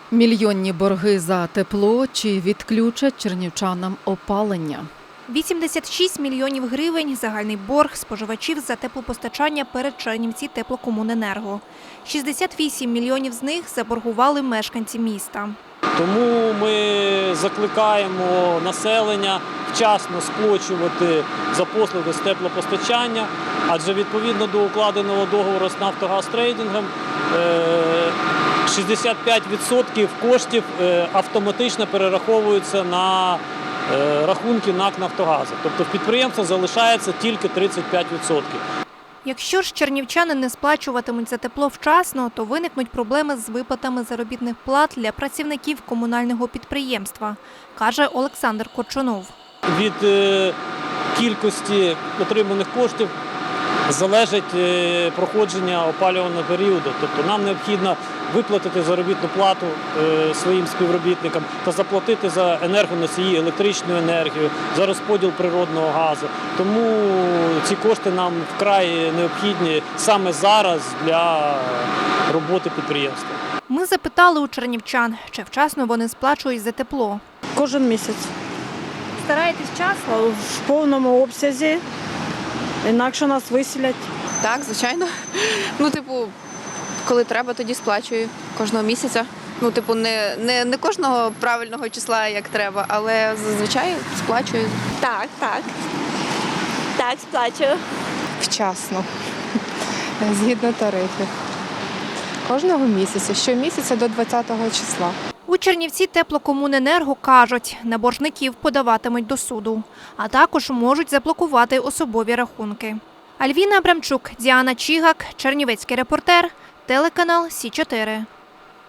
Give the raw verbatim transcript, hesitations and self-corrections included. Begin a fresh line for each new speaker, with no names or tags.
Мільйонні борги за тепло чи відключать чернівчанам опалення.
вісімдесят шість мільйонів гривень – загальний борг споживачів за теплопостачання перед Чернівці теплокомуненерго. шістдесят вісім мільйонів з них заборгували мешканці міста.
Тому ми закликаємо населення вчасно сплачувати за послуги з теплопостачання, адже відповідно до укладеного договору з «Нафтогазтрейдингом» шістдесят п'ять відсотків коштів автоматично перераховуються на рахунки НАК «Нафтогазу». Тобто в підприємства залишається тільки тридцять п'ять відсотків.
Якщо ж чернівчани не сплачуватимуть за тепло вчасно, то виникнуть проблеми з виплатами заробітних плат для працівників комунального підприємства, каже Олександр Корчунов.
Від кількості отриманих коштів залежить проходження опалювального періоду. Тобто нам необхідно виплатити заробітну плату своїм співробітникам та заплатити за енергоносії, електричну енергію, за розподіл природного газу. Тому ці кошти нам вкрай необхідні саме зараз для роботи підприємства.
Ми запитали у чернівчан, чи вчасно вони сплачують за тепло.
Кожен місяць.
Стараєтесь вчасно?
В повному обсязі, інакше нас виселять.
Так, звичайно. Ну, типу, коли треба, тоді сплачую кожного місяця. Ну, типу, не, не, не кожного правильного числа, як треба, але зазвичай сплачую.
Так, так. Так, сплачую.
Вчасно, згідно тарифів. Кожного місяця, щомісяця до двадцятого числа.
У Чернівці теплокомуненерго кажуть, на боржників подаватимуть до суду, а також можуть заблокувати особові рахунки. Альвіна Абрамчук, Діана Чігак, Чернівецький репортер, телеканал Сі чотири.